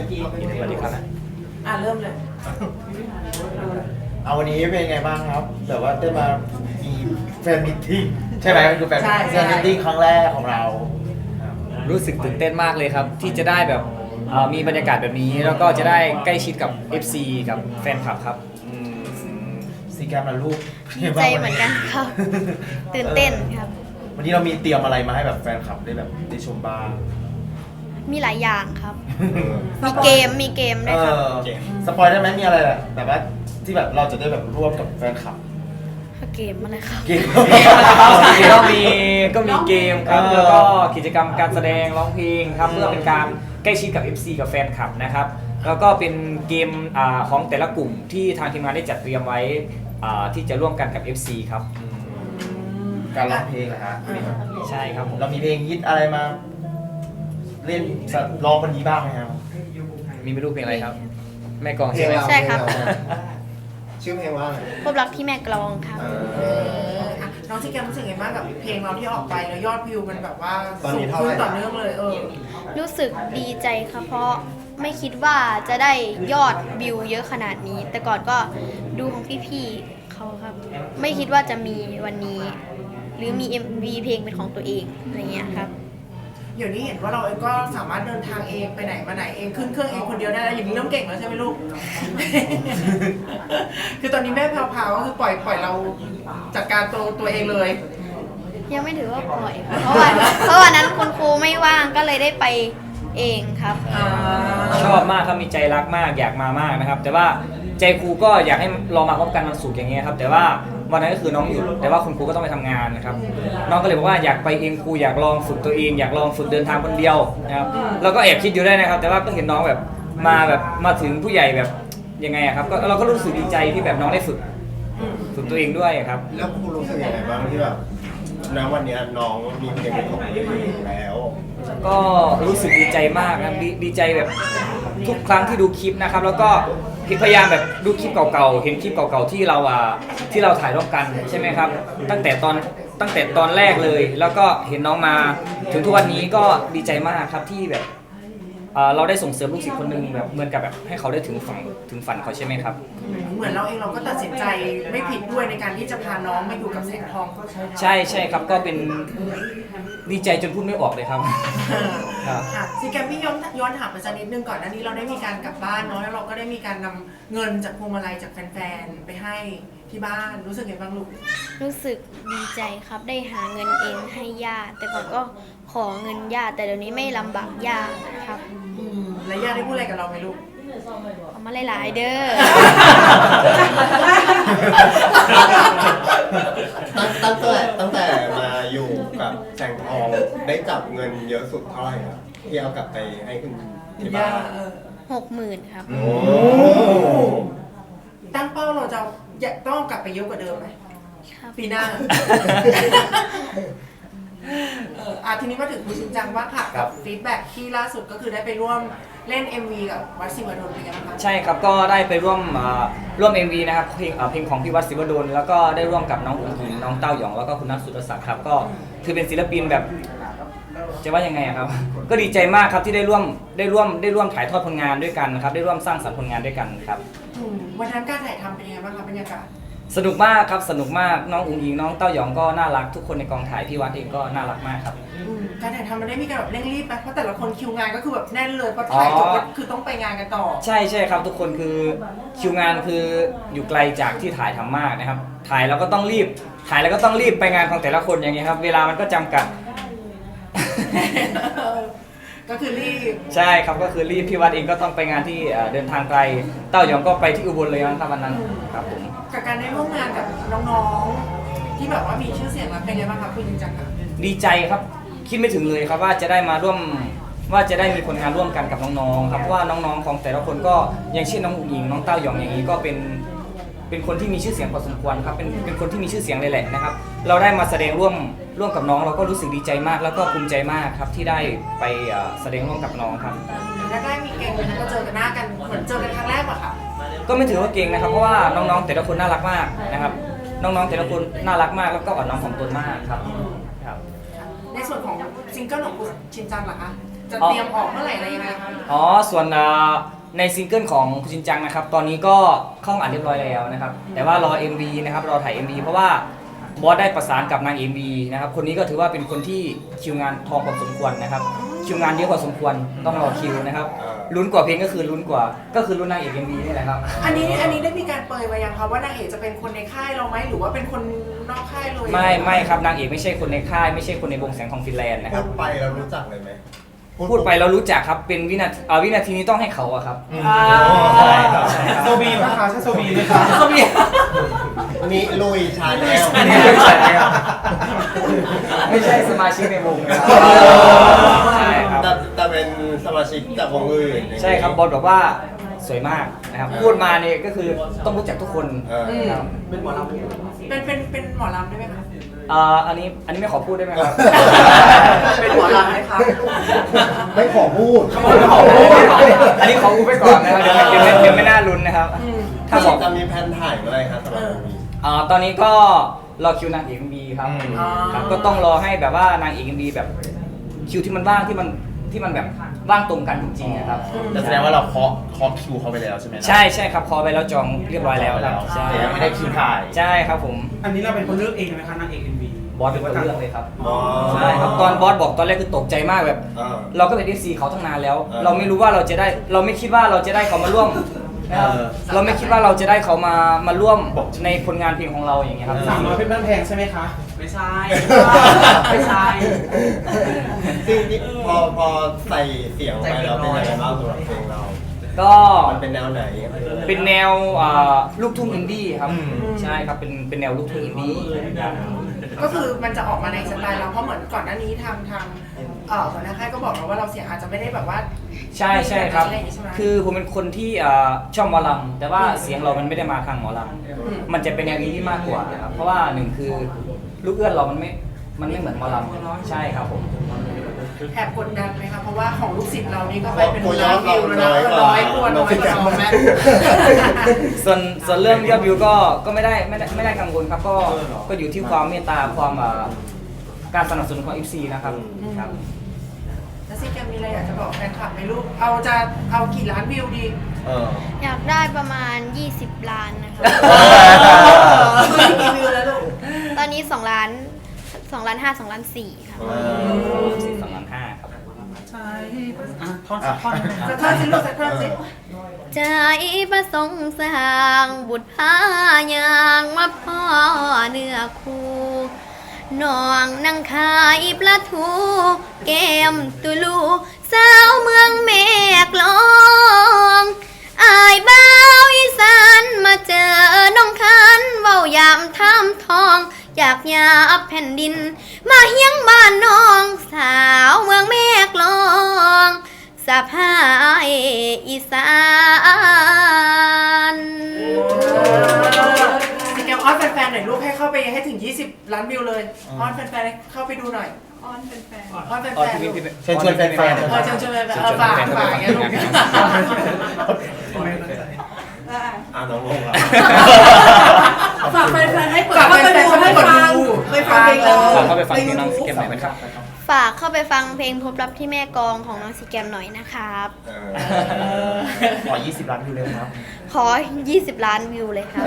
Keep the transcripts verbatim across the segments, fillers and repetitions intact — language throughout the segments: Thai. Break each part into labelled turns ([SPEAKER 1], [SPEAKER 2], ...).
[SPEAKER 1] สวัสดีครับ
[SPEAKER 2] อ่ะเริ่มเลย
[SPEAKER 3] เอาวันนี้เป็นไงบ้างครับแต่ว่าได้มามีแฟนมิทติ้งใช่ไหมมันคือแฟน
[SPEAKER 2] ใช่
[SPEAKER 3] แฟนมิทติ้งครั้งแรกของเรา
[SPEAKER 1] รู้สึกตื่นเต้นมากเลยครับที่จะได้แบบเอ่อมีบรรยากาศแบบนี้แล้วก็จะได้ใกล้ชิดกับ เอฟ ซี กับแฟนคลับครับอืม
[SPEAKER 3] ซีแกรมละลูก
[SPEAKER 4] ดีใจเหมือนกันครับ ตื่นเต้นครับ
[SPEAKER 3] วันนี้เรามีเตรียมอะไรมาให้แบบแฟนคลับได้แบบได้ชมบ้าง
[SPEAKER 4] มีหลายอย่างครับ มีเกม มีเกมด้
[SPEAKER 3] เอ
[SPEAKER 4] วยครับ
[SPEAKER 3] อสปอยได้ไหมมีอะไรแบบแต่ว่าที่แบบเราจะได้แบบร่วมกับแฟนคลับ
[SPEAKER 4] เกมอะไรครับ
[SPEAKER 3] เกม
[SPEAKER 1] ก็มีก็มีเกมครับ
[SPEAKER 3] เออ
[SPEAKER 1] แล้วก็กิจกรรมการแสดงร้องเพลงครับเพื่อเป็นการใกล้ชิดกับ เอฟ ซี กับแฟนคลับนะครับแล้วก็เป็นเกมอ่าของแต่ละกลุ่มที่ทางทีมงานได้จัดเตรียมไว้อ่าที่จะร่วมกันกับ เอฟ ซี ครับ
[SPEAKER 3] การร้องเพลงนะฮะ
[SPEAKER 1] ใช่ครับผม
[SPEAKER 3] เรามีเพลงฮิตอะไรมาเล่นร้องวันนี้บ้างไหมครับ
[SPEAKER 1] มีไม่รู้เพลงอะไรครับ แม่กลองใช่ไหม
[SPEAKER 4] ใช่ครับ
[SPEAKER 5] ชื่อเพลงว่าอะไร
[SPEAKER 4] พบรักที่แม่กลองครับ
[SPEAKER 3] เอ
[SPEAKER 2] เอ
[SPEAKER 3] อ
[SPEAKER 2] ออ่ะน้องซีแกมรู้สึกไงบ้างกับเพลงเราที่ออกไปแล้วยอดวิวมันแบบว่า
[SPEAKER 5] ตอน
[SPEAKER 2] สู
[SPEAKER 5] นี้
[SPEAKER 2] ง
[SPEAKER 5] เท่า
[SPEAKER 2] ขึ้
[SPEAKER 5] ไห
[SPEAKER 2] น
[SPEAKER 5] ร่
[SPEAKER 2] ต่อเนื่องเลยเออ
[SPEAKER 4] รู้สึกดีใจครับ เพราะไม่คิดว่าจะได้ยอดวิวเยอะขนาดนี้ แต่ก่อนก็ดูของพี่ๆเขาครับ ไม่คิดว่าจะมีวันนี้ หรือมี เอ็ม วี เพลงเป็นของตัวเองอะไรเงี้ยครับ
[SPEAKER 2] เดี๋ยวนี้เห็นว่าเราเองก็สามารถเดินทางเองไปไหนมาไหนเองขึ้นเครื่องเองคนเดียวได้แล้วอย่างนี้เริ่มเก่งแล้วใช่ไหมลูก คือตอนนี้แม่แพรวๆก็คือปล่อยปล่อยเราจัดการตัวตัวเองเลย
[SPEAKER 4] ยังไม่ถือว่าปล่อยครับเพราะวันเพราะวันนั้นคุณครูไม่ว่างก็เลยได้ไปเองครับ
[SPEAKER 2] อ่า
[SPEAKER 1] ชอบมากครับมีใจรักมากอยากมามากนะครับ แต่ว่าใจครูก็อยากให้เรามาพบกันวันศุกร์อย่างเงี้ยครับแต่ว่าวันนั้นก็คือน้องหยุดแต่ว่าคุณครูก็ต้องไปทำงานนะครับน้องก็เลยบอกว่าอยากไปเองครูอยากลองฝึกตัวเองอยากลองฝึกเดินทางคนเดียวนะครับเราก็แอบคิดอยู่ได้นะครับ แต่ว่าก็เห็นน้องแบบมาแบบมาถึงผู้ใหญ่แบบยังไงอะครับก็เราก็รู้สึกดีใจที่แบบน้องได้ฝึกฝึกตัวเองด้วยครับ
[SPEAKER 5] แล้วครูรู้สึกยังไงบ้างที่แบบณวันเนี้ยน้องมีเพลงเป็นของตัวเองแล้ว
[SPEAKER 1] ก็รู้สึกดีใจมากนะดีดีใจแบบทุกครั้งที่ดูคลิปนะครับ แล้วก็พยายามแบบดูคลิปเก่าๆเห็นคลิปเก่าๆที่เราอ่ะที่เราถ่ายร่วมกันใช่ไหมครับ ตั้งแต่ตอนตั้งแต่ตอนแรกเลย แล้วก็เห็นน้องมาถึงทุกวันนี้ก็ดีใจมากครับที่แบบเอ่อเราได้ส่งเสริมลูกศิษย์คนหนึ่งแบบเหมือนกับแบบให้เขาได้ถึงฝันถึงฝันเขาใช่ไหมครับ
[SPEAKER 2] เหมือนเราเองเราก็ตัดสินใจไม่ผิดด้วยในการที่จะพาน้องมาอยู่กับแสงทอง
[SPEAKER 1] ใช่ใช่ครับก็เป็นดีใจจนพูดไม่ออกเลยครับ ครับ
[SPEAKER 2] ค่ะซีแกมพี่ย้อนย้อนถามไปสักนิดนึงก่อนหน้านี้เราได้มีการกลับบ้านเนาะแล้วเราก็ได้มีการนำเงินจากพวงมาลัยจากแฟนๆไปให้ที่บ้านรู้สึกไงบ้างลูก
[SPEAKER 4] รู้สึกดีใจครับได้หาเงินเองให้ย่าแต่ก่อนก็ขอเงินย่าแต่เดี๋ยวนี้ไม่ลำบากย่าครับ
[SPEAKER 2] อืมแล้วย่าได้พูดอะไรกับเราไหมลูก
[SPEAKER 4] เอามาหลายๆเด้อ
[SPEAKER 5] ตั้งตั้งแต่ตั้งแต่มาอยู่กับแสงทองได้จับเงินเยอะสุดเท่าไหร่ครับที่เอากลับไปให้คุณที่บ้าน
[SPEAKER 2] เออ
[SPEAKER 4] หกหมื่นครับ
[SPEAKER 5] โอ้
[SPEAKER 2] ตั้งเป้าเราจะอยากต้องกลับไปเยอะกว่าเดิมไหม
[SPEAKER 4] ครับ
[SPEAKER 2] ปีหน้า เอออ่ะทีนี้มาถึงคุณชินจังว่างค่ะ
[SPEAKER 1] ครั
[SPEAKER 2] กับบ ฟีดแบ็กที่ล่าสุดก็คือได้ไปร่วมเล่น เอ็ม วี กับวัดศิวดลเป็นไงบ้างคะ
[SPEAKER 1] ใช่ครับก็ได้ไปร่วมอ่าร่วม เอ็ม วี นะครับเพลงอ่าเพลงของพี่วัดศิวดลแล้วก็ได้ร่วมกับน้องอุ๋งอิงน้องเต้าหยองแล้วก็คุณนัทสุรศักดิ์ครับก็คือเป็นศิลปินแบบจะว่ายังไงอะครับ ก็ดีใจมากครับที่ได้ร่วมได้ร่วมได้ร่วมถ่ายทอดผลงานด้วยกันนะครับได้ร่วมสร้างสรรค์ผลงานด้วยกันครับ
[SPEAKER 2] อืมวันนั้นการถ่ายทำเป็นยังไงบ้างคะบรรยากาศ
[SPEAKER 1] สนุกมากครับสนุกมากน้องอุ๋งอิงน้องเต้าหยองก็น่ารักทุกคนในกองถ่ายพี่วัดเองก็น่ารักมากครับ
[SPEAKER 2] อืมการถ่ายทำมันได้มีการแบบเร่งรีบไหมเพราะแต่ละคนคิวงานก็คือแบบแน่นเลยพอถ่ายจบก็คือต้องไปงานกันต่อ
[SPEAKER 1] ใช่ใช่ครับทุกคนคือคิวงานคืออยู่ไกลจากที่ถ่ายทำมากนะครับ ถ่ายแล้วก็ต้องรีบถ่ายแล้วก็ต้องรีบไปงานของแต่ละคนอย่างเงี้ยครับเวลามันก็จำกัด
[SPEAKER 2] ก็คือรีบ
[SPEAKER 1] ใช่ครับก็คือรีบพี่วัดเองก็ต้องไปงานที่เอ่อเดินทางไกลเต้าหยองก็ไปที่อุบลเลยนะครับวันนั้นครับผม
[SPEAKER 2] กับการได้ร่วมงานกับน้องๆที่แบบว่ามีชื่อเสียงแล้วเป็นไงบ้างคะคุณจริงจังคะ
[SPEAKER 1] ดีใจครับคิดไม่ถึงเลยครับว่าจะได้มาร่วมว่าจะได้มีผลงานร่วมกันกับน้องๆครับเพราะว่าน้องๆของแต่ละคนก็อย่างเช่นน้องอุ๋งอิงน้องเต้าหยองอย่างนี้ก็เป็นเป็นคนที่มีชื่อเสียงพอสมควรครับเป็นเป็นคนที่มีชื่อเสียงเลยแหละนะครับ เราได้มาแสดงร่วมร่วมกับน้องเราก็รู้สึกดีใจมาก แล้วก็ภูมิใจมากครับที่ได้ไปเอ่อแสดงร่วมกับน้องครับ
[SPEAKER 2] แล้วได้มีเก่งนะก็เจอกันหน้ากันเหมือนเจอกันครั้งแรกป่ะคะ
[SPEAKER 1] ก็ไม่ถือว่าเก่งนะครับเพราะว่าน้องๆแต่ละคนน่ารักมากนะครับ น้องๆแต่ละคนน่ารักมากแล้วก็อ่อนน้อมถ่อมตนมากครับครับ
[SPEAKER 2] ในส่วนของซิงเกิลของคุณชินจังล่ะคะจะเตรียมออกเมื่อไหร่อะไรยังไงคะ
[SPEAKER 1] อ๋อส่วนอ่าในซิงเกิลของคุณชินจังนะครับตอนนี้ก็เข้าอัดเรียบร้อยแล้วนะครับแต่ว่ารอ เอ็ม วี นะครับรอถ่าย เอ็ม วี เพราะว่าบอสได้ประสานกับนาง เอ็ม วี นะครับคนนี้ก็ถือว่าเป็นคนที่คิวงานทองพอสมควรนะครับคิวงานเยอะพอสมควรต้องรอคิวนะครับลุ้นกว่าเพลงก็คือลุ้นกว่าก็คือลุ้นนางเอก เอ็ม วี นี่แหละครับ
[SPEAKER 2] อันนี้อันนี้ได้มีการเปรยมายังคะว่านางเอกจะเป็นคนในค่ายเราไหมหรือว่าเป็นคนนอกค่ายเลย
[SPEAKER 1] ไม่ไม่ครับนางเอกไม่ใช่คนในค่ายไม่ใช่คนในวงแสงทองฟินแลนด์นะค
[SPEAKER 5] พู
[SPEAKER 1] รับ
[SPEAKER 5] ดไปเรารู้จักเลยไหม
[SPEAKER 1] พูดไปเรารู้จักครับเป็นวินาทีอ่าวินาทีนี้ต้องให้เขาอะครับ
[SPEAKER 2] อ่า
[SPEAKER 1] ใช่ครับใช่ครับ
[SPEAKER 6] โซบีป่ะคะใช่โซบีไหมคะ
[SPEAKER 1] เขามี
[SPEAKER 5] นี่ลุยชาแนล
[SPEAKER 1] อันนี้ไม่ใช่ครับไม่ใช่สมาชิกในวงนะครับใช่ครับ
[SPEAKER 5] แต่แต่เป็นสมาชิกจากวงอื่น
[SPEAKER 1] ใช่ครับบอลบอกว่าสวยมากนะครับพูดมาเนี่ยก็คือต้องรู้จักทุกคน
[SPEAKER 5] เออ
[SPEAKER 1] ครับ
[SPEAKER 2] เป็นหมอลำเป็นเป็นเป็นหมอลำได้ไหมคะ
[SPEAKER 1] อ่าอันนี้อันนี้ไม่ขอพูดได้ไหมครับ
[SPEAKER 2] เป็นหมอลำไหมคะ
[SPEAKER 3] ไม่ขอพูด
[SPEAKER 1] อันนี้ขอพูดไปก่อนนะครับเดี๋ยวเดี๋ยวเดี๋ยวไม่น่าลุ้นนะครับ
[SPEAKER 2] อืม
[SPEAKER 1] ถ้าบอก
[SPEAKER 5] จะมีแผนถ่ายเมื่อไหรครับสำหรับวงนี้
[SPEAKER 1] อ่าตอนนี้ก็รอคิวนางเอก เอ็ม วี ครับ
[SPEAKER 2] อ๋อ
[SPEAKER 1] ครับก็ต้องรอให้แบบว่านางเอก เอ็ม วี แบบคิวที่มันว่างที่มันที่มันแบบว่างตรงกันจริงๆนะครับ
[SPEAKER 6] แต่แสดงว่าเราเคาะเคาะคิวเขาไปแล้วใช่ไหม
[SPEAKER 1] ใช่ใช่ครับคอไปแล้วจองเรียบร้อยแล้วครับใช่
[SPEAKER 6] แต่ยังไม่ได้คิวถ่าย
[SPEAKER 1] ใช่ครับผม
[SPEAKER 7] อันนี้เราเป็นคนเลือกเองไหมคะนางเอกเอ็มวี
[SPEAKER 1] บอสเป็นคนเลือกเลยครับ
[SPEAKER 5] อ๋อ
[SPEAKER 1] ใช่ครับตอนบอสบอกตอนแรกคือตกใจมากแบบ
[SPEAKER 5] อ่า
[SPEAKER 1] เราก็เป็น เอฟ ซี เขาตั้งนานแล้ว
[SPEAKER 5] เออ
[SPEAKER 1] เราไม่รู้ว่าเราจะได้เราไม่คิดว่าเราจะได้เขามาร่วมนะครับ
[SPEAKER 6] เออ
[SPEAKER 1] เราไม่คิดว่าเราจะได้เขามามาร่วมในผลงานเพลงของเราอย่างเงี้ยครับ
[SPEAKER 7] สามร้อยเป็นบ้านแพงใช่ไหมคะ
[SPEAKER 2] ไม่ใช่ ไม่ใช่
[SPEAKER 5] ซึ่งนี่พอพอใส่เสียงไปแล้วเป็นยังไงบ้างสำหรับเพลงเรา
[SPEAKER 1] ก็
[SPEAKER 5] มันเป็นแนวไหน
[SPEAKER 1] เป็นแนวอ่าลูกทุ่งอินดี้ครับ
[SPEAKER 6] อืม
[SPEAKER 1] ใช่ครับเป็นเป็นแนวลูกทุ่งอินดี้ครับ
[SPEAKER 2] ก็คือมันจะออกมาในสไตล์เราเพราะเหมือนก่อนหน้านี้ทางทางเอ่อหัวหน้าค่ายก็บอกเราว่าเราเสียงอาจจะไม่ได้แบบว่า
[SPEAKER 1] ใช่ใช่ครับ
[SPEAKER 2] อะไรอย่างงี้ใช่ไหม
[SPEAKER 1] คือผมเป็นคนที่อ่าชอบหมอลำแต่ว่าเสียงเรามันไม่ได้มาทางหมอล
[SPEAKER 2] ม
[SPEAKER 1] ำมันจะเป็นแนวนี้ที่มากกว่านะครับเพราะว่าหนึ่งคือลูกเอื้อนเรามันไม่มันไม่เหมือนหมอลำใช่ครับผม
[SPEAKER 2] แอบกดดันไหมคะเพราะว่าของลูกศิษย์เรานี่ก็ไปเป็น
[SPEAKER 5] โอ้ย
[SPEAKER 2] ล้านวิวแล้วนะ
[SPEAKER 5] น้อยกว่า
[SPEAKER 2] ร้อยคนน้อยกว่าน้องแม่
[SPEAKER 1] ส่วนส่วนเรื่องยอดวิวก็ก็ไม่ได้ไม่ได้ไม่ได้กังวลครับก็ก็อยู่ที่ความเมตตาความอ่าการสนับสนุนของ เอฟ ซี นะครับครับ
[SPEAKER 2] แล้วซิแกมมีอะไรอยากจะบอกแฟนคลับไหมลูกเอาจะเอากี่ล้านวิวดี
[SPEAKER 6] เออ
[SPEAKER 4] อยากได้ประมาณ ยี่สิบ ล้านนะคะ
[SPEAKER 2] คือกี่วิวแล้วลูก
[SPEAKER 4] ตอนนี้สองล้านสองล้านห้าสองล้านสี่ค่ะ
[SPEAKER 1] สิบสองล้านห้าครับ
[SPEAKER 7] ใช่อ่ะท่อนสักท่อนหนึ่ง
[SPEAKER 2] สักท่อนสิลูกสักท่อนสิ
[SPEAKER 4] ใจประสงค์สร้างบุตรพายางมาพ่อเนื้อคู่น้องนั่งขายปลาทูแก้มตุลูสาวเมืองแม่กลองอายบ้าวอีสานมาเจอน้องคันเว้ายามท่ามทอง อยากหยาบแผ่นดิน มาเฮียงบ้านน้องสาวเมืองแม่กลองสะพายอีสาน
[SPEAKER 2] ซิแกมอ้อนแฟนๆหน่อยลูกให้เข้าไปให้ถึงยี่สิบล้านวิวเลยอ้อนแฟนๆให้เข้าไปดูหน่อยอ้อนแฟนๆอ้อนแฟน
[SPEAKER 1] อ๋อ
[SPEAKER 2] ๆ
[SPEAKER 1] พี่
[SPEAKER 2] ลูก
[SPEAKER 1] พี่
[SPEAKER 3] เชิญชวนแฟนๆ
[SPEAKER 2] เออเชิญชวนแฟนๆเออฝากฝากอย่างเงี้ยลูก
[SPEAKER 5] อ่าน้องงงอ่ะ
[SPEAKER 2] ฝากแฟนๆให้เปิดเข้าไปดูให้ฟังไปฟังเพลงเรา
[SPEAKER 1] ฝากเข้าไปฟังเพลงน้องสเก็ตหน่อยไหมครับ
[SPEAKER 4] ฝากเข้าไปฟังเพลงพบรักที่แม่กลองของน้องซีแกมหน่อยนะครับ
[SPEAKER 5] เออ
[SPEAKER 6] ขอ ยี่สิบ ล้านวิวเลยครับ
[SPEAKER 4] ขอ ยี่สิบ ล้านวิวเลยครับ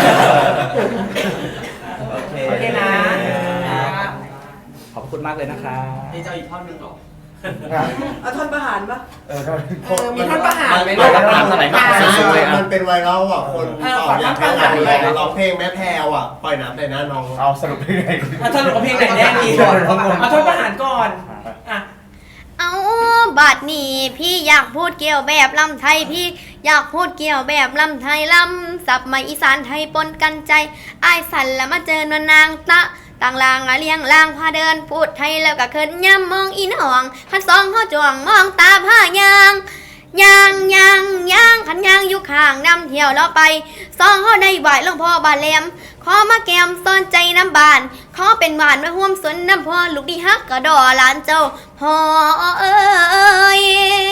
[SPEAKER 6] โอเค
[SPEAKER 2] โอเคนะ
[SPEAKER 1] ขอบคุณมากเลยนะครับ
[SPEAKER 7] นี่จะเอาอีกท่อนหนึ่งเหรอ
[SPEAKER 2] เอาท่อนประหารปะ
[SPEAKER 3] เออทำไม
[SPEAKER 2] เออมีท่อนประหาร
[SPEAKER 5] มัน
[SPEAKER 1] ไม่
[SPEAKER 5] ไม่
[SPEAKER 1] ได้
[SPEAKER 5] ได้
[SPEAKER 1] ประหารเท่าไหร่มาก
[SPEAKER 5] มันเป็นไวรัลอ่ะคน
[SPEAKER 2] เออ
[SPEAKER 5] ต
[SPEAKER 2] ข
[SPEAKER 5] อ
[SPEAKER 2] อบ
[SPEAKER 5] อยาก
[SPEAKER 2] ท่
[SPEAKER 5] ให้
[SPEAKER 2] อนประหาร
[SPEAKER 5] ร้องเพลงแม่แพรวอ่ะปล่อยน้ำใส่หน้าน้อง
[SPEAKER 6] เอาสรุปยังไง
[SPEAKER 7] เอาท่อนเอาเพลงไหนแน่ดีเอาท่อนประหารก่อนอ่ะ
[SPEAKER 4] เอาบัดนี้พี่อยากพูดเกี่ยวแบบลำไทยพี่อยากพูดเกี่ยวแบบลำไทยลำสับมาอีสานไทยปนกันใจอายสันแล้วมาเจอนวลนางตะต่างลางอะเลียงลางพาเดินพูดไทยแล้วก็เคินย่ำมองอีนห่องขันสองเขาจ้วงมองตาผ้ายางยางยางยางขันยางอยู่ข้างนำเที่ยวเราไปสองเขาได้ไหวหลวงพ่อบาแหลมขอมาแกมซ่อนใจน้ำบานขอเป็นหวานมาห่วมสนน้ำพ่อลูกดีฮักกระดอหลานเจ้าพ่อเอ้ย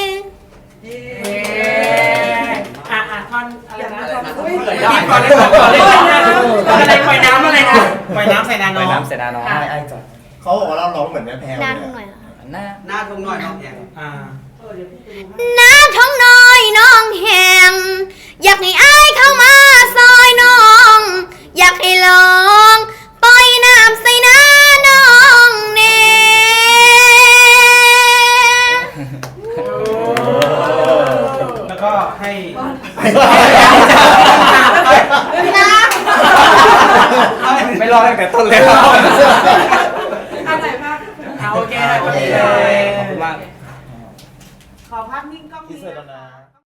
[SPEAKER 7] อ่ะอ่ะท่อนอะไรนะท่อน
[SPEAKER 2] เฮ้ย
[SPEAKER 7] เปิดได้ก่อนเลยก่อนเลยก่อนเลยอะไรปล่อยน้ำอะไรนะปล่อยน้ำใส่นา
[SPEAKER 1] ไป
[SPEAKER 7] น้อง
[SPEAKER 1] น้ำเสนาน้อง
[SPEAKER 3] ไอ้ไอ้จัด
[SPEAKER 5] เขาบอกว่าเราร้องเหมือนแม่แพรว
[SPEAKER 4] นาน
[SPEAKER 5] เลย
[SPEAKER 4] หน่อยเหรอ
[SPEAKER 1] นหน้า
[SPEAKER 7] หน้าทงหน่อยน้องแหงอ่า
[SPEAKER 4] หน้าท้องน้อยน้องแหงอยากให้อายเข้ามาซอยน้อง อยากให้ลองปล่อยน้ำใส่หน้าน้องเน่
[SPEAKER 7] แล้วก็ให้
[SPEAKER 1] ไม่รอดตั้งแต่ต้นเลย
[SPEAKER 2] อันไหนบ้าง
[SPEAKER 7] เอาโอเคโอเค